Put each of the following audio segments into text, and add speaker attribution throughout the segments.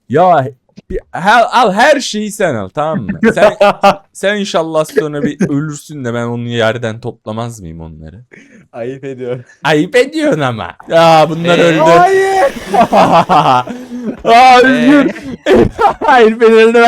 Speaker 1: Ya al her şeyi sen al, tamam mı? Sen inşallah sonra bir ölürsün de ben onu yerden toplamaz mıyım onları?
Speaker 2: Ayıp ediyor.
Speaker 1: Ayıp ediyorsun ama. Ya bunlar öldü.
Speaker 2: Hayır.
Speaker 1: Aa Özgür. Hayır ben öldüm.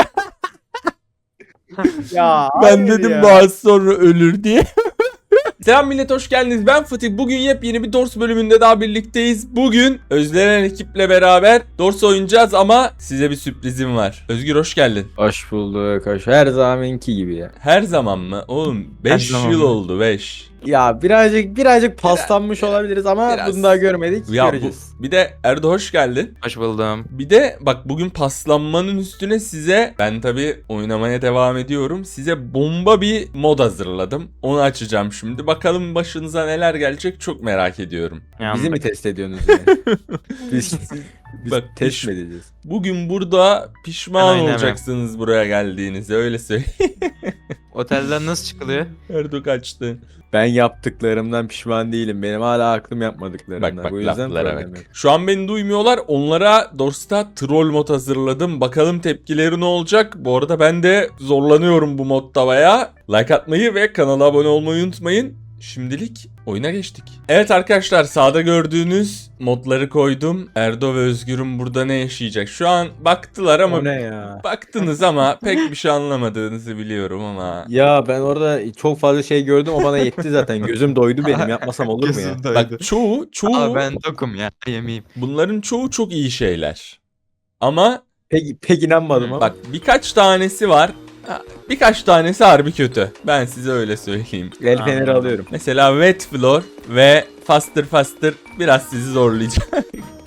Speaker 2: Ya
Speaker 1: Ben
Speaker 2: hayır
Speaker 1: dedim
Speaker 2: ya.
Speaker 1: bazı sonra ölür diye. Selam millet, hoş geldiniz. Ben Fatih. Bugün yepyeni bir Dors bölümünde daha birlikteyiz. Bugün özlenen ekiple beraber Dors oynayacağız ama size bir sürprizim var. Özgür hoş geldin.
Speaker 2: Hoş bulduk. Hoş. Her zamanki gibi ya.
Speaker 1: Her zaman mı? Oğlum 5
Speaker 3: zaman
Speaker 1: yıl
Speaker 3: mı?
Speaker 1: oldu 5.
Speaker 2: Ya birazcık paslanmış olabiliriz ama
Speaker 1: biraz.
Speaker 2: bunu daha görmedik.
Speaker 1: Ya
Speaker 2: Göreceğiz.
Speaker 1: bir de Erdo hoş geldin.
Speaker 3: Hoş buldum.
Speaker 1: Bir de bak bugün paslanmanın üstüne size ben tabii oynamaya devam ediyorum. Size bomba bir mod hazırladım. Onu açacağım şimdi. Bakalım başınıza neler gelecek çok merak ediyorum.
Speaker 2: Bizi mi test ediyorsunuz yani? Biz
Speaker 1: Bak,
Speaker 2: test mi edeceğiz?
Speaker 1: Bugün burada pişman
Speaker 3: Ben oynamam.
Speaker 1: olacaksınız buraya geldiğinizde, öyle söyleyeyim.
Speaker 3: Otelden nasıl çıkılıyor?
Speaker 1: Erdo kaçtı.
Speaker 2: Ben yaptıklarımdan pişman değilim. Benim hala aklım yapmadıklarımdan.
Speaker 1: Bak bak
Speaker 2: Bu yüzden
Speaker 1: laflara
Speaker 2: problem
Speaker 1: bak.
Speaker 2: yok.
Speaker 1: Şu an beni duymuyorlar. Onlara Dors'ta troll mod hazırladım. Bakalım tepkileri ne olacak. Bu arada ben de zorlanıyorum bu modda baya. Like atmayı ve kanala abone olmayı unutmayın. Şimdilik oyuna geçtik. Evet arkadaşlar, sağda gördüğünüz modları koydum. Erdo ve Özgür'ün burada ne yaşayacak? Şu an baktılar ama
Speaker 2: O ne ya?
Speaker 1: baktınız ama pek bir şey anlamadığınızı biliyorum ama.
Speaker 2: Ya ben orada çok fazla şey gördüm, o bana yetti zaten. Gözüm doydu benim, yapmasam olur mu ya?
Speaker 1: Bak çoğu
Speaker 3: Aa, ben tokum ya, yemeyeyim.
Speaker 1: bunların çoğu çok iyi şeyler. Ama
Speaker 2: Pek inanmadım ama.
Speaker 1: bak birkaç tanesi var. Birkaç tanesi harbi kötü. Ben size öyle söyleyeyim.
Speaker 2: El feneri
Speaker 3: Anladım.
Speaker 2: alıyorum.
Speaker 1: Mesela Wet Floor ve Faster biraz sizi zorlayacak.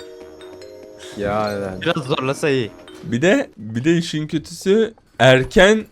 Speaker 2: Ya
Speaker 3: Biraz zorlasa iyi.
Speaker 1: Bir de işin kötüsü erken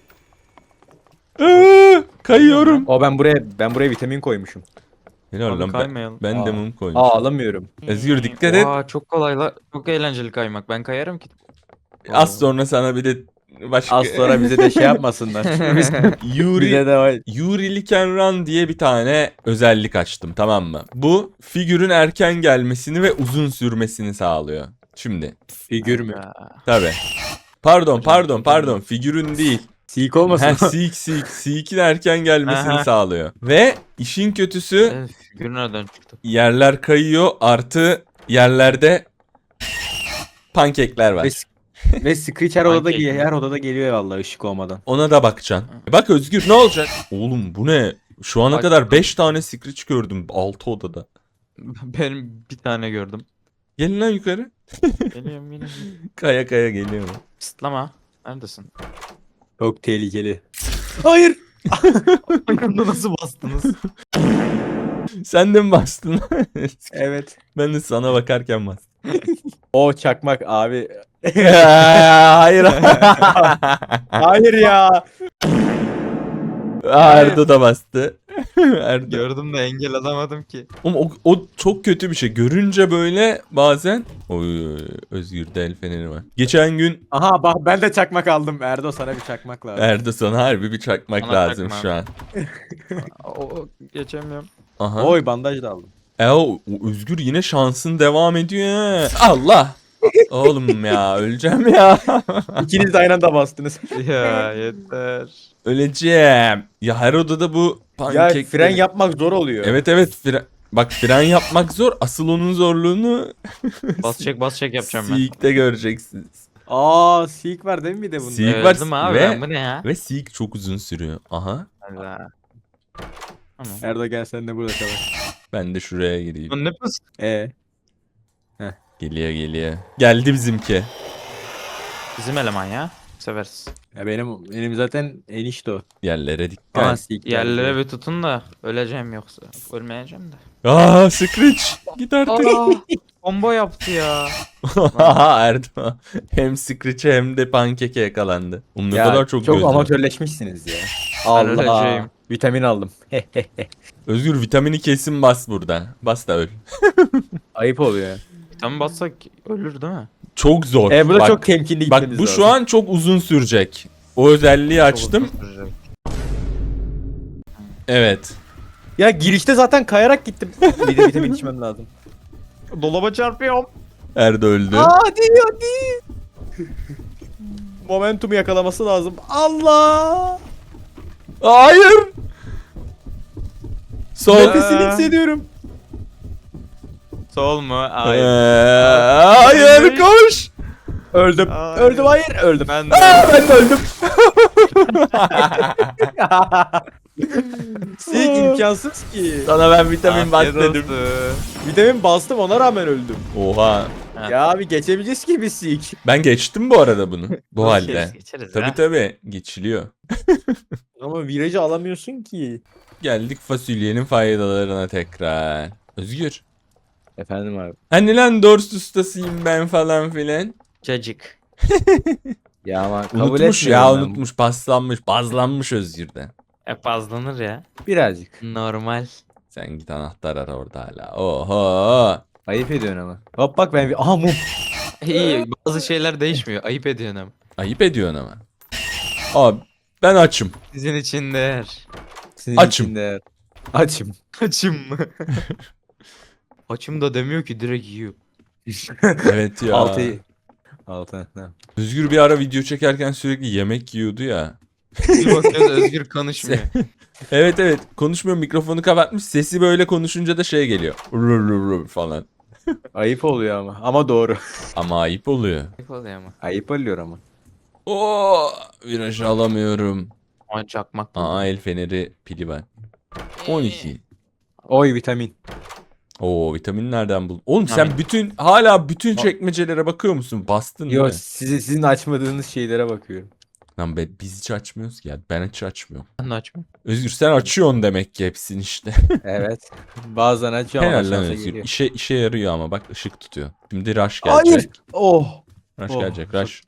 Speaker 1: kayıyorum.
Speaker 2: o ben buraya vitamin koymuşum.
Speaker 1: Helal
Speaker 3: Abi
Speaker 1: lan,
Speaker 3: kaymayalım.
Speaker 1: ben de
Speaker 2: Aa.
Speaker 1: mum koymuşum.
Speaker 2: Alamıyorum.
Speaker 1: Özgür dikkat et.
Speaker 3: Oha, çok kolay la. Çok eğlenceli kaymak. Ben kayarım ki.
Speaker 1: Az sonra sana bir de başka
Speaker 2: Az sonra bize de şey yapmasınlar.
Speaker 1: Yuri
Speaker 2: bize de var.
Speaker 1: Yuri Liken Run diye bir tane özellik açtım, tamam mı? Bu figürün erken gelmesini ve uzun sürmesini sağlıyor. Şimdi
Speaker 2: Figür mü?
Speaker 3: Ya.
Speaker 1: tabi. Pardon figürün değil.
Speaker 2: Sik olmasın.
Speaker 1: Seek'in erken gelmesini
Speaker 3: Aha.
Speaker 1: sağlıyor. Ve işin kötüsü
Speaker 3: Figür nereden çıktı?
Speaker 1: yerler kayıyor, artı yerlerde pankekler var.
Speaker 2: Ve Screech her odada,
Speaker 3: Pankek mi?
Speaker 2: her odada geliyor vallahi ışık olmadan.
Speaker 1: Ona da bakacaksın. Bak Özgür, ne olacak? Oğlum bu ne? Şu ana
Speaker 3: Bak-
Speaker 1: kadar 5 tane Screech gördüm 6 odada.
Speaker 3: Benim bir tane gördüm.
Speaker 1: Gelin lan yukarı.
Speaker 3: Geliyorum yine.
Speaker 1: Kaya kaya geliyorum.
Speaker 3: Pıstlama. Neredesin?
Speaker 2: Çok tehlikeli. Hayır.
Speaker 3: Ayağımda nasıl bastınız?
Speaker 1: Sen de mi bastın?
Speaker 2: Evet.
Speaker 1: Ben de sana bakarken bastım.
Speaker 2: O çakmak abi.
Speaker 1: Hayır.
Speaker 2: Hayır ya.
Speaker 1: Erdo da bastı. Erdo.
Speaker 3: Gördüm de engel alamadım ki.
Speaker 1: Oğlum, o çok kötü bir şey. Görünce böyle bazen... Oy, Özgür'de el feneri var. Geçen gün
Speaker 2: Aha bak, ben de çakmak aldım. Erdo, sana bir çakmak lazım.
Speaker 1: Erdo sana harbi bir çakmak
Speaker 3: Bana
Speaker 1: lazım
Speaker 3: çakma.
Speaker 1: şu an.
Speaker 3: O geçemiyorum.
Speaker 1: Aha.
Speaker 2: Oy, bandaj da aldım.
Speaker 1: O Özgür yine şansın devam ediyor ha. Allah. Oğlum ya, öleceğim ya.
Speaker 2: İkiniz de aynı anda bastınız.
Speaker 3: Ya yeter.
Speaker 1: Öleceğim. Ya her odada bu
Speaker 2: Ya
Speaker 1: pankekleri...
Speaker 2: fren yapmak zor oluyor.
Speaker 1: Evet bak fren yapmak zor. Asıl onun zorluğunu
Speaker 3: Bas çek yapacağım ben.
Speaker 1: Seek'te göreceksiniz.
Speaker 2: Aa, Seek var değil mi bir de bunda?
Speaker 1: Seek var
Speaker 3: Öldüm abi
Speaker 1: ve-
Speaker 3: ben, bu ne ya?
Speaker 1: Ve Seek çok uzun sürüyor. Aha.
Speaker 3: Allah. Tamam.
Speaker 2: Erdo gel, sen de burada kal.
Speaker 1: Ben de şuraya gireyim.
Speaker 3: Bu ne pıs?
Speaker 1: Geliyor. Geldi bizimki.
Speaker 3: Bizim eleman ya. Severiz.
Speaker 2: Ya benim zaten enişte o.
Speaker 1: Yerlere dikkat.
Speaker 2: Aha, Seek
Speaker 3: Yerlere
Speaker 2: geldi.
Speaker 3: bir tutun da öleceğim yoksa. Ölmeyeceğim de.
Speaker 1: Screech. Git artık.
Speaker 3: Combo yaptı ya.
Speaker 1: Erdo. Hem Screech'e hem de pankeke yakalandı. Oğlum ne
Speaker 2: Ya,
Speaker 1: kadar çok
Speaker 2: çok
Speaker 1: gözüm.
Speaker 2: amatörleşmişsiniz ya.
Speaker 3: Ben
Speaker 2: Allah.
Speaker 3: öleceğim.
Speaker 2: Vitamin aldım.
Speaker 1: Özgür vitamini kesin bas burada. Bas da öl.
Speaker 2: Ayıp oluyor ya.
Speaker 3: Tam bassak ölür değil mi?
Speaker 1: Çok zor.
Speaker 2: Bu da
Speaker 1: Bak,
Speaker 2: çok temkinli
Speaker 1: bak
Speaker 2: gitmemiz
Speaker 1: bu
Speaker 2: lazım.
Speaker 1: şu an çok uzun sürecek. O özelliği açtım. Evet.
Speaker 2: Ya girişte zaten kayarak gittim. Bir de vitamin içmem lazım.
Speaker 3: Dolaba çarpıyorum.
Speaker 1: Erdo öldü.
Speaker 2: Hadi. Momentumu yakalaması lazım. Allah!
Speaker 1: Hayır. Sol.
Speaker 2: Nefesini hissediyorum.
Speaker 3: Sol mu?
Speaker 1: Ee,
Speaker 3: Hayır.
Speaker 1: hayır koş.
Speaker 2: Öldüm.
Speaker 3: Hayır.
Speaker 2: Öldüm, hayır. Öldüm.
Speaker 3: Ben de.
Speaker 2: Ben de öldüm. Sik imkansız ki.
Speaker 1: Sana ben vitamin bas
Speaker 3: Afiyet
Speaker 1: dedim.
Speaker 3: olsun.
Speaker 2: Vitamin bastım, ona rağmen öldüm.
Speaker 1: Oha.
Speaker 3: Ha.
Speaker 2: Ya abi geçebileceğiz ki biz sik.
Speaker 1: Ben geçtim bu arada bunu. Bu halde.
Speaker 3: Geçeriz
Speaker 1: Tabii
Speaker 3: ya.
Speaker 1: tabii geçiliyor.
Speaker 2: Ama virajı alamıyorsun ki.
Speaker 1: Geldik fasulyenin faydalarına tekrar. Özgür.
Speaker 2: Efendim abi.
Speaker 1: Hani lan dors ustasıyım ben falan filan.
Speaker 3: Cacık.
Speaker 2: Ya ama kabul
Speaker 1: Unutmuş ya
Speaker 2: etmiyorum ben.
Speaker 1: unutmuş paslanmış bazlanmış Özgür'de.
Speaker 3: Hep azlanır ya.
Speaker 2: Birazcık.
Speaker 3: Normal.
Speaker 1: Sen git anahtar ara orada hala. Oho.
Speaker 2: Ayıp ediyorsun ama. Hop bak ben bir... Aha mum.
Speaker 3: İyi bazı şeyler değişmiyor. Ayıp ediyorsun ama.
Speaker 1: Ayıp ediyorsun ama. Abi ben açım.
Speaker 3: Sizin için değer.
Speaker 2: Senin
Speaker 1: Açım.
Speaker 2: içinde- Açım.
Speaker 3: Açım mı? Açım da demiyor ki direkt yiyor.
Speaker 1: Evet ya.
Speaker 2: Altı. Ha.
Speaker 1: Özgür bir ara video çekerken sürekli yemek yiyordu ya.
Speaker 3: Bir bakıyoruz Özgür konuşmuyor.
Speaker 1: Evet evet konuşmuyor mikrofonu kapatmış sesi böyle konuşunca da şey geliyor. Rır rır rır falan.
Speaker 2: Ayıp oluyor ama. Ama doğru.
Speaker 1: Ama ayıp oluyor.
Speaker 3: Ne oluyor ama?
Speaker 2: Ayıp oluyor ama.
Speaker 1: Oo, virajı alamıyorum.
Speaker 3: Ay çakmak.
Speaker 1: Aa el feneri pili var. 12.
Speaker 2: Oy vitamin.
Speaker 1: Oo vitamin nereden buldun? Oğlum sen
Speaker 3: Vitamin.
Speaker 1: bütün çekmecelere bakıyor musun? Bastın değil
Speaker 2: Yo
Speaker 1: mi?
Speaker 2: sizin açmadığınız şeylere bakıyorum.
Speaker 1: Lan be, biz hiç açmıyoruz ki ya. Ben hiç açmıyorum.
Speaker 3: Ben de açmıyorum.
Speaker 1: Özgür sen açıyorsun demek ki hepsini işte.
Speaker 2: Evet. Bazen açıyorum ama
Speaker 1: Helal lan
Speaker 2: şansa
Speaker 1: Özgür.
Speaker 2: geliyor.
Speaker 1: İşe yarıyor ama bak ışık tutuyor. Şimdi rush gelecek.
Speaker 2: Hayır. Oh.
Speaker 1: Rush
Speaker 2: Oh.
Speaker 1: gelecek rush.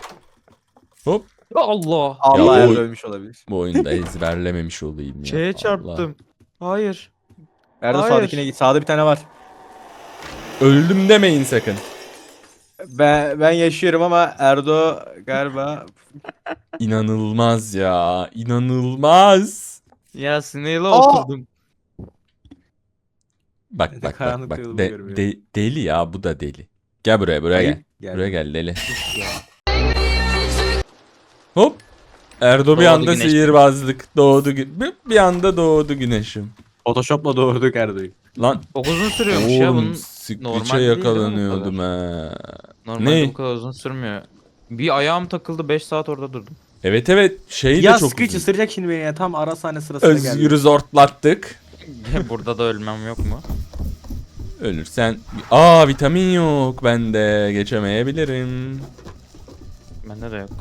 Speaker 1: Hop.
Speaker 3: Allah.
Speaker 2: Allah
Speaker 1: Ya
Speaker 2: ya
Speaker 1: o-
Speaker 2: ölmüş olabilir.
Speaker 1: Bu oyunda ezberlememiş olayım ya.
Speaker 3: Şeye
Speaker 1: Allah.
Speaker 3: çarptım. Hayır.
Speaker 2: Erdo
Speaker 3: Hayır.
Speaker 2: sağdakine git. Sağda bir tane var.
Speaker 1: Öldüm demeyin sakın.
Speaker 2: Ben yaşıyorum ama Erdo galiba
Speaker 1: İnanılmaz ya. İnanılmaz.
Speaker 3: Ya sineğiyle
Speaker 2: Aa!
Speaker 3: oturdum.
Speaker 1: Bak
Speaker 2: Karanlık
Speaker 1: bak.
Speaker 2: yolu
Speaker 1: De-
Speaker 2: görmüyorum.
Speaker 1: deli ya bu da deli. Gel buraya gel.
Speaker 2: Ayıp.
Speaker 1: Buraya gel deli. Hop. Erdo bir
Speaker 3: Doğdu
Speaker 1: anda
Speaker 3: güneş.
Speaker 1: sihirbazlık. Doğdu bir anda doğdu güneşim.
Speaker 2: Photoshop'la doğurduk Erdo'yu.
Speaker 1: Lan
Speaker 3: Çok uzun sürüyormuş ya bunun.
Speaker 1: oğlum
Speaker 3: normal
Speaker 1: sıklıça
Speaker 3: değil değil mi bu
Speaker 1: yakalanıyordum ha.
Speaker 3: Normalde
Speaker 1: Ne?
Speaker 3: bu kadar uzun sürmüyor. Bir ayağım takıldı 5 saat orada durdum.
Speaker 1: Evet şey
Speaker 2: Ya
Speaker 1: de çok
Speaker 2: Screech
Speaker 1: uzun.
Speaker 2: ısıracak şimdi beni ya. Tam ara sahne sırasında geldi.
Speaker 1: Özgür'ü zortlattık.
Speaker 3: Burada da ölmem yok mu?
Speaker 1: Ölürsen... Aa vitamin yok bende. Geçemeyebilirim.
Speaker 3: Bende de yok.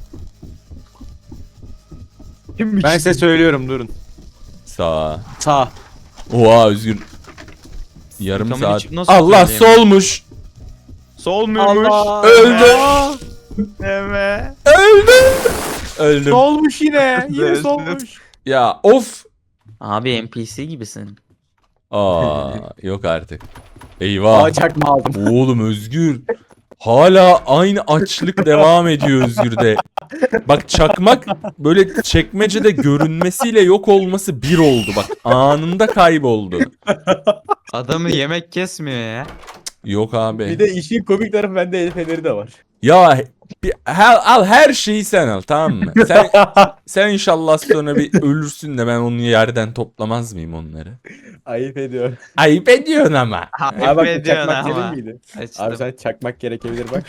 Speaker 2: Ben size söylüyorum durun.
Speaker 1: Sağ.
Speaker 2: Sağ.
Speaker 1: Oha Özgür. Yarım
Speaker 3: Vitamin
Speaker 1: saat.
Speaker 3: içip nasıl
Speaker 1: Allah
Speaker 3: söyleyeyim?
Speaker 1: solmuş.
Speaker 3: Sol muymuş?
Speaker 2: Allah.
Speaker 1: Öldü.
Speaker 3: Evet.
Speaker 1: Öldüm.
Speaker 2: Solmuş yine. Yine
Speaker 3: Öldü.
Speaker 2: solmuş.
Speaker 1: Ya of.
Speaker 3: Abi NPC gibisin.
Speaker 1: Aa yok artık. Eyvah.
Speaker 2: Aa çakma aldım.
Speaker 1: Oğlum Özgür. Hala aynı açlık devam ediyor Özgür'de. Bak çakmak böyle çekmecede görünmesiyle yok olması bir oldu. Bak anında kayboldu.
Speaker 3: Adamı yemek kesmiyor ya.
Speaker 1: Yok abi.
Speaker 2: Bir de işin komik tarafı bende el feneri de var.
Speaker 1: Ya al her şeyi sen al tamam mı? Sen inşallah sonra bir ölürsün de ben onu yerden toplamaz mıyım onları?
Speaker 2: Ayıp ediyor.
Speaker 1: Ayıp ediyorsun ama.
Speaker 2: Abi bak bu
Speaker 3: ediyorsun
Speaker 2: çakmak
Speaker 3: ama.
Speaker 2: senin miydi?
Speaker 3: Açtım.
Speaker 2: Abi sen çakmak gerekebilir bak.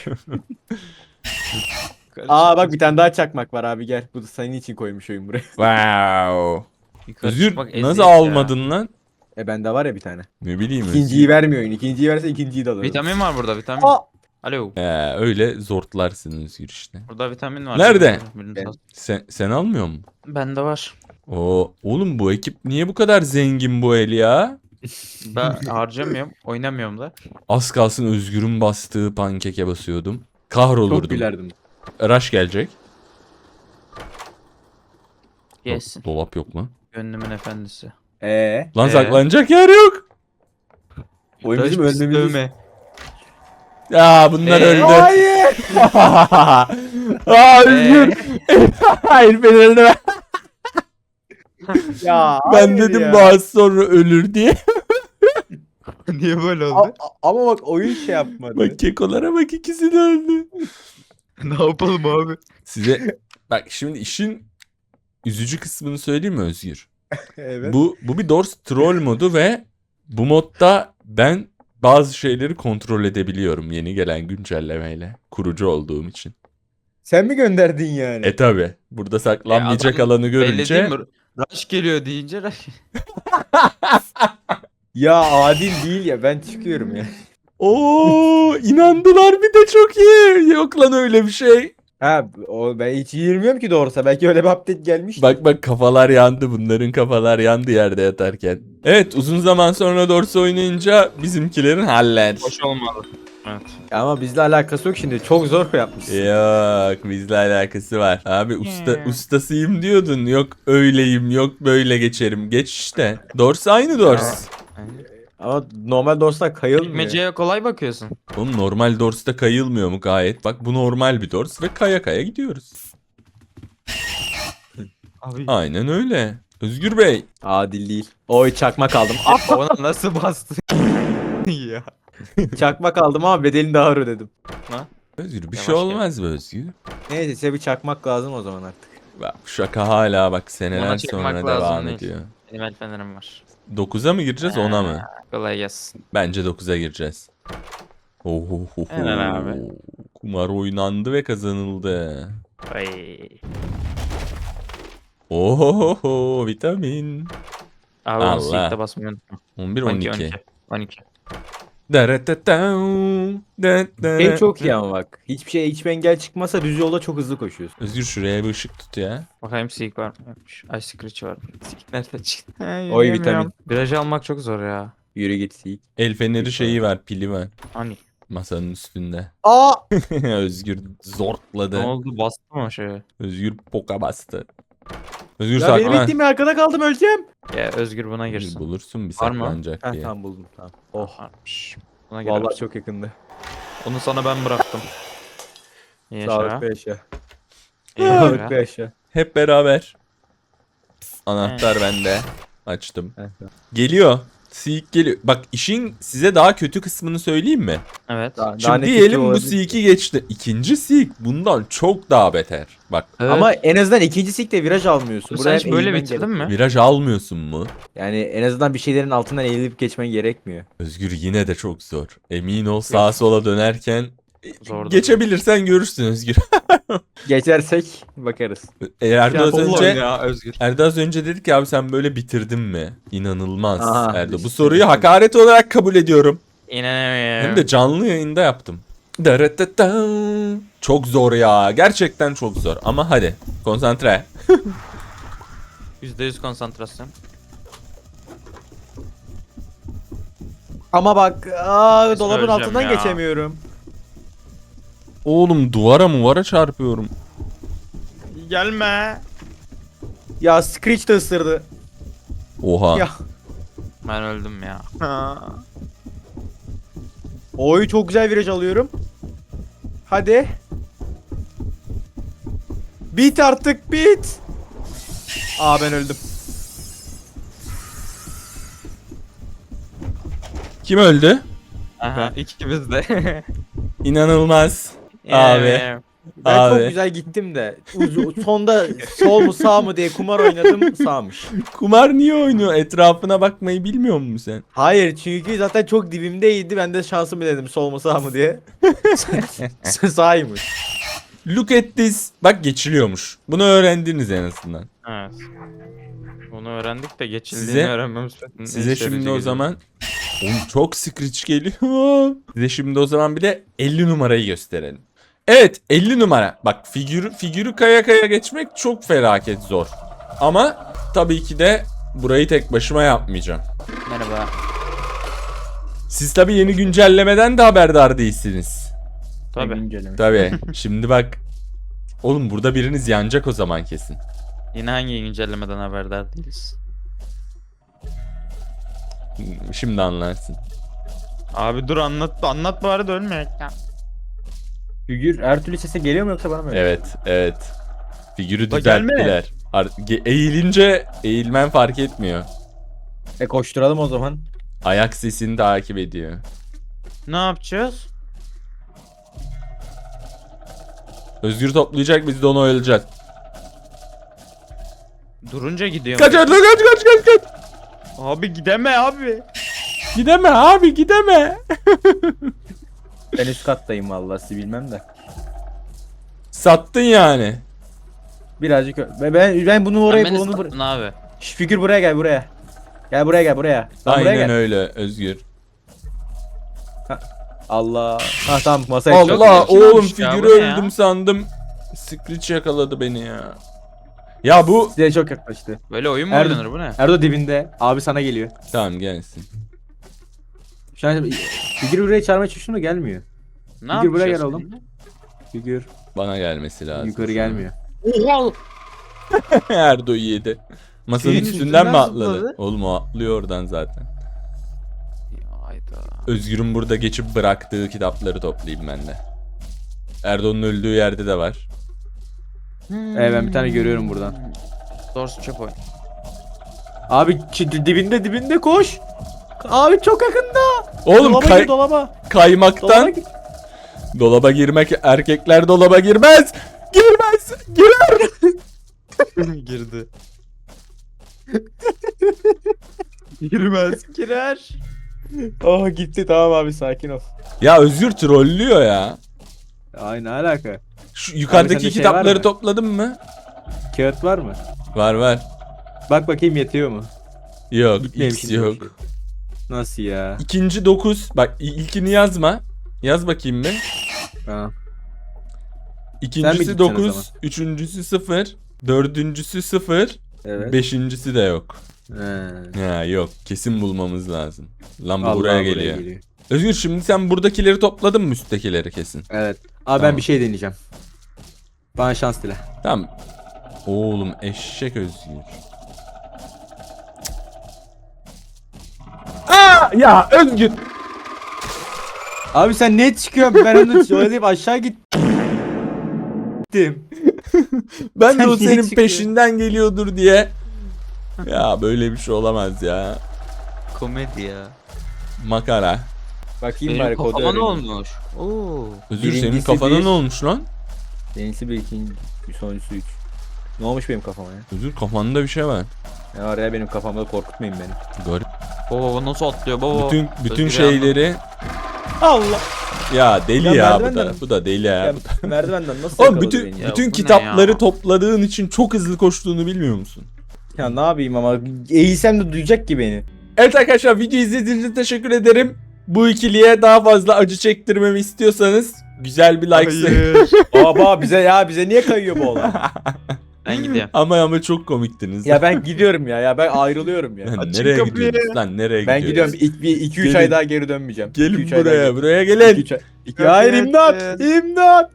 Speaker 2: Aa bak bir tane daha çakmak var abi gel. Bu da senin için koymuş oyun buraya.
Speaker 1: Wow.
Speaker 3: Yukarı
Speaker 1: Özgür
Speaker 3: çıkmak eziyet
Speaker 1: nasıl
Speaker 3: ya.
Speaker 1: almadın lan?
Speaker 2: Bende var ya bir tane.
Speaker 1: Ne bileyim
Speaker 2: İkinciyi vermiyor oyun. İkinciyi verse ikinciyi de alırım.
Speaker 3: Vitamin var burada vitamin.
Speaker 2: Aa!
Speaker 3: Alo.
Speaker 1: Öyle zortlarsın Özgür işte.
Speaker 3: Burada vitamin var.
Speaker 1: Nerede?
Speaker 3: Birini
Speaker 2: Ben-
Speaker 3: sat.
Speaker 1: Sen almıyor musun?
Speaker 3: Bende var.
Speaker 1: Oğlum bu ekip niye bu kadar zengin bu el ya?
Speaker 3: Ben harcamıyorum. Oynamıyorum da.
Speaker 1: Az kalsın Özgür'ün bastığı pankeke basıyordum.
Speaker 2: Çok
Speaker 1: Kahrolurdum.
Speaker 2: gülerdim.
Speaker 1: Rush gelecek.
Speaker 3: Gelsin.
Speaker 1: Dolap yok mu?
Speaker 3: Gönlümün efendisi.
Speaker 1: Lan
Speaker 3: Ee?
Speaker 1: saklanacak yer yok.
Speaker 2: Oyun bizim
Speaker 3: Taş
Speaker 2: ölmemiz.
Speaker 3: dövme.
Speaker 1: Ya bunlar öldü.
Speaker 2: Hayır.
Speaker 1: Aa Özgür. Hayır beni öldü.
Speaker 2: Ya
Speaker 1: Ben
Speaker 2: hayır
Speaker 1: dedim
Speaker 2: ya.
Speaker 1: bu az sonra ölür diye.
Speaker 3: Niye böyle oldu?
Speaker 2: Ama bak oyun şey yapmadı.
Speaker 1: Bak kekolara bak ikisi de öldü.
Speaker 3: Ne yapalım abi?
Speaker 1: Size bak şimdi işin üzücü kısmını söyleyeyim mi Özgür?
Speaker 2: Evet.
Speaker 1: Bu bir Doors troll modu ve bu modda ben bazı şeyleri kontrol edebiliyorum yeni gelen güncellemeyle. Kurucu olduğum için.
Speaker 2: Sen mi gönderdin yani?
Speaker 1: Tabi. Burada saklanmayacak
Speaker 3: adam
Speaker 1: alanı
Speaker 3: Belli değil
Speaker 1: görünce
Speaker 3: mi? Rush geliyor deyince Rush.
Speaker 2: Ya adil değil ya, ben çıkıyorum ya.
Speaker 1: Oo inandılar bir de çok iyi. Yok lan öyle bir şey.
Speaker 2: Ha ben hiç girmiyorum ki doğrusu. Belki öyle bir update gelmiş.
Speaker 1: Bak kafalar yandı. Bunların kafalar yandı yerde yatarken. Evet uzun zaman sonra Doors oynayınca bizimkilerin haller.
Speaker 3: Hoş olmadı. Evet.
Speaker 2: Ama bizle alakası yok şimdi. Çok zor yapmışsın.
Speaker 1: Yok bizle alakası var. Abi ustasıyım diyordun. Yok öyleyim yok böyle geçerim. Geç işte. Doors aynı Doors.
Speaker 2: Ama normal dostlar kayılmıyor.
Speaker 3: Meceye kolay bakıyorsun.
Speaker 1: Oğlum normal Doors'ta kayılmıyor mu gayet? Bak bu normal bir Doors ve kaya kaya gidiyoruz.
Speaker 3: Abi.
Speaker 1: Aynen öyle. Özgür Bey.
Speaker 2: Adil değil. Oy çakmak aldım.
Speaker 3: Ona nasıl bastı? Ya.
Speaker 2: Çakmak aldım ama bedelini daha ağır ödedim.
Speaker 1: Özgür bir
Speaker 3: Yavaş
Speaker 1: şey
Speaker 3: gel.
Speaker 1: olmaz be Özgür.
Speaker 2: Neyse size bir çakmak lazım o zaman artık.
Speaker 1: Bak bu şaka hala bak seneler
Speaker 3: Ona çekmek
Speaker 1: sonra
Speaker 3: lazım
Speaker 1: devam
Speaker 3: değil.
Speaker 1: ediyor.
Speaker 3: Benim el fenerim var.
Speaker 1: 9'a mı gireceğiz 10'a mı?
Speaker 3: Kolay gelsin.
Speaker 1: Bence 9'a gireceğiz. Oho.
Speaker 3: Helal abi.
Speaker 1: Kumar oynandı ve kazanıldı.
Speaker 3: Ay.
Speaker 1: Oho vitamin.
Speaker 3: Abi
Speaker 1: Allah.
Speaker 3: onu silkte basmayı unutma.
Speaker 1: 11
Speaker 3: 12
Speaker 1: 12.
Speaker 3: 12.
Speaker 2: Şey çok iyi ama bak. Hiçbir engel çıkmasa düz yolda çok hızlı koşuyorsun.
Speaker 1: Özgür şuraya bir ışık tut ya.
Speaker 3: Bakayım silk var mı? Yokmuş. Ay screech var mı? Silk nerede çıktı?
Speaker 2: Oy vitamin.
Speaker 3: Virajı almak çok zor ya.
Speaker 2: Yürü git sik.
Speaker 1: El feneri şeyi var pili var.
Speaker 3: Hani.
Speaker 1: Masanın üstünde.
Speaker 2: Aa!
Speaker 1: Özgür
Speaker 3: Ne
Speaker 1: zortladı.
Speaker 3: oldu? Bastı mı o şeye?
Speaker 1: Özgür poka bastı. Özgür
Speaker 2: Ya benim
Speaker 1: saklan.
Speaker 2: bittiğim arkada kaldım, öleceğim.
Speaker 3: Ya Özgür buna girsin.
Speaker 1: Bulursun bir
Speaker 3: Var mı?
Speaker 1: saklanacak
Speaker 2: Heh,
Speaker 1: diye.
Speaker 2: tamam buldum tamam. Oh.
Speaker 3: Varmış. Buna
Speaker 2: Vallahi
Speaker 3: girersin.
Speaker 2: çok yakındı.
Speaker 3: Onu sana ben bıraktım. Yaşa.
Speaker 2: Sağlıklı yaşa.
Speaker 3: Yaşa.
Speaker 2: Sağlıklı yaşa.
Speaker 1: Hep beraber. Anahtar bende. Açtım.
Speaker 2: Heh, tamam.
Speaker 1: Geliyor. Seek geliyor. Bak işin size daha kötü kısmını söyleyeyim mi?
Speaker 3: Evet.
Speaker 2: Daha
Speaker 1: Şimdi
Speaker 2: ne kötü
Speaker 1: diyelim bu
Speaker 2: olabilir?
Speaker 1: Seek'i geçti. İkinci Seek bundan çok daha beter. Bak
Speaker 3: Evet.
Speaker 2: Ama en azından ikinci sikte viraj almıyorsun.
Speaker 3: sen
Speaker 2: Buraya
Speaker 3: hiç böyle
Speaker 2: eğilmen
Speaker 3: bitirdin
Speaker 2: gerekiyor.
Speaker 3: mi?
Speaker 1: viraj almıyorsun mu?
Speaker 2: Yani en azından bir şeylerin altından eğilip geçmen gerekmiyor.
Speaker 1: Özgür yine de çok zor. Emin ol sağa sola dönerken
Speaker 3: Zordu.
Speaker 1: geçebilirsen görürsün Özgür.
Speaker 2: Geçersek bakarız.
Speaker 1: Erdo az önce
Speaker 3: ya Özgür.
Speaker 1: Erdo az önce dedi ki abi sen böyle bitirdin mi? İnanılmaz
Speaker 2: Aha,
Speaker 1: Erdo. Bu
Speaker 2: işte.
Speaker 1: soruyu hakaret olarak kabul ediyorum.
Speaker 3: İnanamıyorum.
Speaker 1: Hem de canlı yayında yaptım. Daratatam. Çok zor ya. Gerçekten çok zor. Ama hadi konsantre.
Speaker 3: %100 konsantrasyon.
Speaker 2: Ama bak dolabın
Speaker 3: Söyleyeceğim
Speaker 2: altından
Speaker 3: ya.
Speaker 2: geçemiyorum.
Speaker 1: Oğlum duvara çarpıyorum.
Speaker 3: Gelme.
Speaker 2: Ya Screech de ısırdı.
Speaker 1: Oha.
Speaker 2: Ya.
Speaker 3: Ben öldüm ya.
Speaker 2: Oy çok güzel viraj alıyorum. Hadi. Bit artık bit. Aa ben öldüm.
Speaker 1: Kim öldü?
Speaker 3: Aha ikimiz de.
Speaker 1: İnanılmaz. Abi.
Speaker 2: Ben
Speaker 1: Abi.
Speaker 2: çok güzel gittim de sonda sol mu sağ mı diye kumar oynadım, sağmış.
Speaker 1: Kumar niye oynuyor? Etrafına bakmayı bilmiyor musun sen?
Speaker 2: Hayır çünkü zaten çok dibimdeydi, ben de şansımı dedim sol mu sağ mı diye. Sağymış.
Speaker 1: Look at this. Bak geçiliyormuş. Bunu öğrendiniz en azından.
Speaker 3: Evet. Bunu öğrendik de geçildiğini
Speaker 1: Size-
Speaker 3: öğrenmemiz.
Speaker 1: Size şimdi o zaman oğlum çok screech geliyor. Size şimdi o zaman bir de 50 numarayı gösterelim. Evet 50 numara. Bak figürü kaya kaya geçmek çok felaket zor. Ama tabii ki de burayı tek başıma yapmayacağım.
Speaker 3: Merhaba.
Speaker 1: Siz tabii yeni güncellemeden de haberdar değilsiniz.
Speaker 3: Tabii.
Speaker 1: Tabii. Şimdi bak. Oğlum burada biriniz yanacak o zaman kesin.
Speaker 3: Yine hangi güncellemeden haberdar değiliz?
Speaker 1: Şimdi anlarsın.
Speaker 3: Abi dur anlat bari da ölmeyek ya.
Speaker 2: Figür her türlü sese geliyor mu yoksa bana mı?
Speaker 1: Evet. Figürü
Speaker 3: La gelme.
Speaker 1: düzelttiler. Eğilince eğilmen fark etmiyor.
Speaker 2: Koşturalım o zaman.
Speaker 1: Ayak sesini takip ediyor.
Speaker 3: Ne yapacağız?
Speaker 1: Özgür toplayacak, biz de onu oyalayacağız.
Speaker 3: Durunca gidiyor.
Speaker 1: Kaç Erdo, kaç.
Speaker 3: Abi gideme abi.
Speaker 1: Gideme abi, gideme.
Speaker 2: Ben üst kattayım vallahi, sizi bilmem de.
Speaker 1: Sattın yani.
Speaker 2: Birazcık ben bunu oraya
Speaker 3: Beni
Speaker 2: bunu
Speaker 3: sattın abi.
Speaker 2: Şş, figür buraya gel buraya. Gel buraya. Lan buraya
Speaker 1: Aynen
Speaker 2: gel.
Speaker 1: öyle Özgür.
Speaker 2: Allah. Ha tamam, masaya çık.
Speaker 1: Allah
Speaker 3: Çok
Speaker 1: oğlum,
Speaker 3: yakışmış ya,
Speaker 1: figürü
Speaker 3: bu ne ya?
Speaker 1: öldüm sandım. Screech yakaladı beni ya. Ya bu
Speaker 2: Size çok yaklaştı.
Speaker 3: Böyle oyun mu
Speaker 2: Erdo-
Speaker 3: oynanır bu ne?
Speaker 2: Erdo dibinde. Abi sana geliyor.
Speaker 1: tamam gelsin.
Speaker 2: Şu an figür buraya çağırmaya çalıştım da gelmiyor.
Speaker 3: Ne
Speaker 2: Figür buraya
Speaker 3: yapacağız
Speaker 2: gel oğlum.
Speaker 3: şimdi?
Speaker 2: Figür
Speaker 1: Bana gelmesi lazım.
Speaker 2: yukarı gelmiyor.
Speaker 3: Oha.
Speaker 1: Erdo yedi. Masanın
Speaker 3: Şeyin
Speaker 1: üstünden
Speaker 3: üstünden
Speaker 1: mi atladı?
Speaker 3: zıpladı.
Speaker 1: Oğlum o atlıyor oradan zaten.
Speaker 3: Ya hayda.
Speaker 1: Özgür'ün burada geçip bıraktığı kitapları toplayayım ben de. Erdo'nun öldüğü yerde de var.
Speaker 2: Ben bir tane görüyorum buradan.
Speaker 3: Doğrusu çöp oyun.
Speaker 2: Abi dibinde koş. Abi çok yakında.
Speaker 1: Oğlum
Speaker 2: Dolaba gir, dolaba.
Speaker 1: kaymaktan
Speaker 2: Dolaba gir.
Speaker 1: dolaba girmek, erkekler dolaba girmez. Girmez. Girer.
Speaker 3: Girdi. Girmez. Girer.
Speaker 2: Oh gitti, tamam abi sakin ol.
Speaker 1: Ya Özgür trollüyor ya.
Speaker 2: Ay ne alaka?
Speaker 1: Şu yukarıdaki
Speaker 2: sende şey
Speaker 1: kitapları
Speaker 2: var mı?
Speaker 1: topladın mı?
Speaker 2: Kağıt var mı?
Speaker 1: Var.
Speaker 2: Bak bakayım yetiyor mu?
Speaker 1: Yok,
Speaker 2: Gitmeyeyim
Speaker 1: X
Speaker 2: şimdi
Speaker 1: yok.
Speaker 2: bakayım. Nasıl ya?
Speaker 1: İkinci 9. Bak ilkini yazma. Yaz bakayım bir.
Speaker 2: Tamam.
Speaker 1: İkincisi
Speaker 2: gideceksin o
Speaker 1: 9, üçüncüsü 0, dördüncüsü 0,
Speaker 2: Evet.
Speaker 1: beşincisi de yok.
Speaker 2: He.
Speaker 1: Ya yok, kesin bulmamız lazım. Lan bu
Speaker 2: Allah
Speaker 1: buraya geliyor. Özgür şimdi sen buradakileri topladın mı, üsttekileri kesin?
Speaker 2: Evet. Abi
Speaker 1: Tamam.
Speaker 2: ben bir şey deneyeceğim. Bana şans dile.
Speaker 1: Tamam. Oğlum eşek Özgür. Aa ya Özgür.
Speaker 2: Abi sen ne çıkıyorsun? Ben onu söyleyip aşağı gittim.
Speaker 1: Ben de
Speaker 2: Sen
Speaker 1: o
Speaker 2: niye
Speaker 1: senin
Speaker 2: çıkıyorsun?
Speaker 1: peşinden geliyordur diye. Ya böyle bir şey olamaz ya.
Speaker 3: Komedi ya.
Speaker 1: Makara.
Speaker 2: Bakayım
Speaker 3: Benim
Speaker 2: bari kodu
Speaker 3: kafama ne
Speaker 2: öğreneyim.
Speaker 3: olmuş? Oo.
Speaker 1: Özgür senin
Speaker 2: Birincisi
Speaker 1: kafana
Speaker 2: bir-
Speaker 1: ne olmuş lan?
Speaker 2: Birincisi bir, ikinci, bir sonuncusu 3. Ne olmuş benim kafama ya?
Speaker 1: Özgür kafanda bir şey var.
Speaker 2: Ne var ya benim kafamda, korkutmayın beni.
Speaker 1: Garip.
Speaker 3: Baba nasıl atlıyor baba?
Speaker 1: Bütün
Speaker 3: Özgür
Speaker 1: şeyleri
Speaker 2: Allah.
Speaker 1: ya deli
Speaker 2: Ya
Speaker 1: ya, bu
Speaker 2: merdivenden-
Speaker 1: da bu da deli ya.
Speaker 2: Ya, merdivenden nasıl
Speaker 1: Oğlum
Speaker 2: yakaladı
Speaker 1: bütün
Speaker 2: beni ya?
Speaker 3: Ya
Speaker 1: bütün
Speaker 3: bu ne
Speaker 1: kitapları
Speaker 3: ya?
Speaker 1: topladığın için çok hızlı koştuğunu bilmiyor musun?
Speaker 2: Ya ne yapayım ama eğilsem de duyacak ki beni.
Speaker 1: Evet arkadaşlar, video izlediğiniz için teşekkür ederim. Bu ikiliye daha fazla acı çektirmemi istiyorsanız güzel bir like.
Speaker 2: Baba bize niye kayıyor bu olay?
Speaker 3: Ben gidiyorum.
Speaker 1: ama çok komiktiniz.
Speaker 2: Ya ben gidiyorum ya ben ayrılıyorum ya.
Speaker 1: Lan
Speaker 3: Açın
Speaker 1: nereye
Speaker 3: kapıyı.
Speaker 1: gidiyorsunuz lan, nereye
Speaker 2: Ben
Speaker 1: gidiyoruz?
Speaker 2: gidiyorum 2-3
Speaker 1: Gelin.
Speaker 2: ay daha geri dönmeyeceğim.
Speaker 1: Gelin
Speaker 2: 2-3 ay daha
Speaker 1: buraya,
Speaker 2: geri-
Speaker 1: buraya gelin.
Speaker 2: 2-3 ay. Ya hayır, imdat! İmdat!